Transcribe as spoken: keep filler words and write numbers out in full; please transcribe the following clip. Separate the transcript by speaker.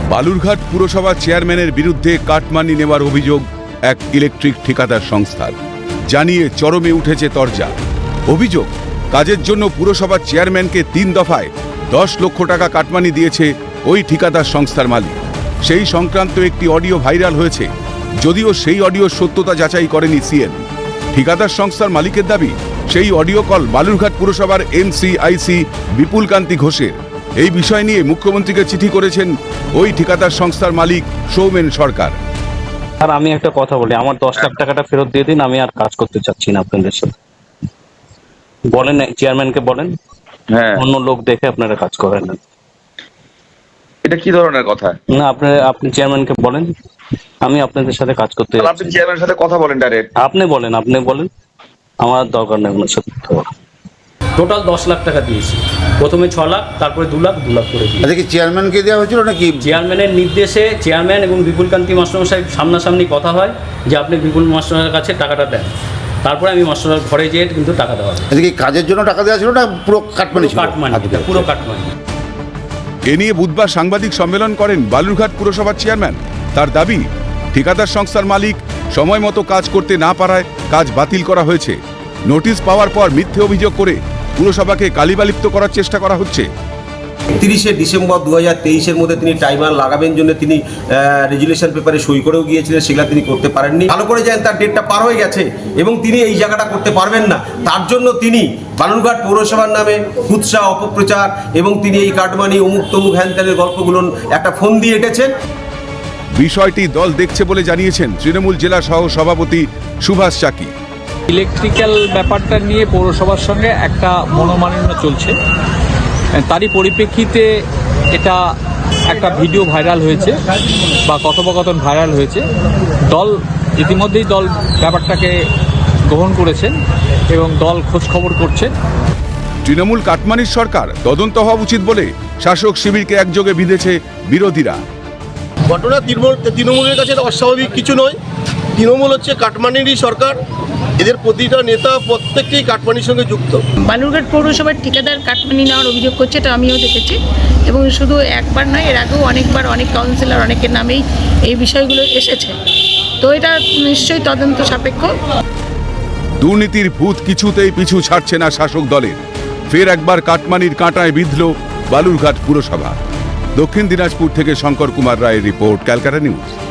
Speaker 1: বালুরঘাট পুরসভা চেয়ারম্যানের বিরুদ্ধে কাটমানি নেওয়ার অভিযোগ এক ইলেকট্রিক ঠিকাদার সংস্থার, জানিয়ে চরমে উঠেছে তরজা। অভিযোগ, কাজের জন্য পুরসভার চেয়ারম্যানকে তিন দফায় দশ লক্ষ টাকা কাটমানি দিয়েছে ওই ঠিকাদার সংস্থার মালিক। সেই সংক্রান্ত একটি অডিও ভাইরাল হয়েছে, যদিও সেই অডিওর সত্যতা যাচাই করেনি সিএন। ঠিকাদার সংস্থার মালিকের দাবি, সেই অডিও কল বালুরঘাট পুরসভার এমসিআইসি বিপুল কান্তি ঘোষের। এই বিষয় নিয়ে মুখ্যমন্ত্রীকে চিঠি করেছেন ওই ঠিকাদার সংস্থার মালিক সৌমেন সরকার।
Speaker 2: আর আমি একটা কথা বলি, আমার দশ লাখ টাকাটা ফেরত দিয়ে দিন, আমি আর কাজ করতে চাচ্ছি না আপনাদের সাথে। বলেন চেয়ারম্যানকে, বলেন
Speaker 3: হ্যাঁ,
Speaker 2: অন্য লোক দেখে আপনারা কাজ করেন না।
Speaker 3: এটা কি ধরনের কথা?
Speaker 2: না, আপনারা আপনি চেয়ারম্যানকে বলেন, আমি আপনাদের সাথে কাজ করতে
Speaker 3: আপনি
Speaker 2: যাচ্ছি।
Speaker 3: চেয়ারম্যানের সাথে কথা বলেন ডাইরেক্ট।
Speaker 2: আপনি বলেন, আপনি বলেন, আমার দরকার নেই ওনার সাথে কথা বলার। টোটাল দশ লাখ টাকা দিয়েছি, প্রথমে ছ লাখ, তারপরে দু লাখ দু লাখ করে দিই।
Speaker 4: আচ্ছা, কি চেয়ারম্যানকে দেওয়া হয়েছিল নাকি?
Speaker 2: চেয়ারম্যানের নির্দেশে চেয়ারম্যান এবং বিপুলকান্তি মাস্টারমশাই সামনাসামনি কথা হয় যে আপনি বিপুল মাস্টারের কাছে টাকাটা দেন, তারপরে আমি মাস্টারের ঘরে যেয়ে কিন্তু টাকা দেওয়া হয়।
Speaker 4: আচ্ছা, কি কাজের জন্য টাকা দেওয়া ছিল না পুরো কাটমানি ছিল?
Speaker 2: কাটমানি, পুরো কাটমানি।
Speaker 1: এ নিয়ে বুধবার সাংবাদিক সম্মেলন করেন বালুরঘাট পুরসভার চেয়ারম্যান। তার দাবি, ঠিকাদার সংস্থার মালিক সময় মতো কাজ করতে না পারায় কাজ বাতিল করা হয়েছে। নোটিশ পাওয়ার পর মিথ্যে অভিযোগ করে পুরসভাকে কালিবালিপ্ত করার চেষ্টা করা হচ্ছে।
Speaker 5: তিরিশে ডিসেম্বর দু হাজার তেইশের মধ্যে তিনি টাইমার লাগাবেন জন্য তিনি রেজুলেশন পেপারে সই করেও গিয়েছিলেন, সেগুলো তিনি করতে পারেননি। ভালো করে জানেন তার ডেটটা পার হয়ে গেছে এবং তিনি এই জায়গাটা করতে পারবেন না। তার জন্য তিনি বালুরঘাট পৌরসভার নামে কুৎসা, অপপ্রচার এবং তিনি এই কাটমানি অমুক তমুক হ্যানত্যানের গল্পগুলো একটা ফোন দিয়ে এঁটেছেন।
Speaker 1: বিষয়টি দল দেখছে বলে জানিয়েছেন তৃণমূল জেলা সহ সভাপতি সুভাষ চাকি।
Speaker 6: ইলেকট্রিক্যাল ব্যাপারটা নিয়ে পৌরসভার সঙ্গে একটা মনোমালিন্য চলছে, তারই পরিপ্রেক্ষিতে এটা একটা ভিডিও ভাইরাল হয়েছে বা কথোপকথন ভাইরাল হয়েছে। দল ইতিমধ্যেই দল ব্যাপারটাকে গ্রহণ করেছেন এবং দল খোঁজ খবর করছে।
Speaker 1: তৃণমূল কাটমানির সরকার, তদন্ত হওয়া উচিত বলে শাসক শিবিরকে একযোগে বিঁধেছে বিরোধীরা।
Speaker 7: ঘটনা তৃণমূল তৃণমূলের কাছে অস্বাভাবিক কিছু নয়। তৃণমূল হচ্ছে কাটমানিরই সরকার, এদের প্রতিটা নেতা প্রত্যেককেই কাটমানির সঙ্গে যুক্ত।
Speaker 8: বালুরঘাট পৌরসভার ঠিকাদার কাটমানি নেওয়ার অভিযোগ করছে, এটা আমিও দেখেছি এবং শুধু একবার নয়, এর আগেও অনেকবার অনেক কাউন্সিলর অনেকের নামেই এই বিষয়গুলো এসেছে। তো এটা নিশ্চয়ই তদন্ত সাপেক্ষ।
Speaker 1: দুর্নীতির ভূত কিছুতেই পিছু ছাড়ছে না শাসক দলের। ফের একবার কাটমানির কাঁটায় বিঁধল বালুরঘাট পুরসভা। দক্ষিণ দিনাজপুর থেকে শঙ্কর কুমার রায়ের রিপোর্ট, ক্যালকাটা নিউজ।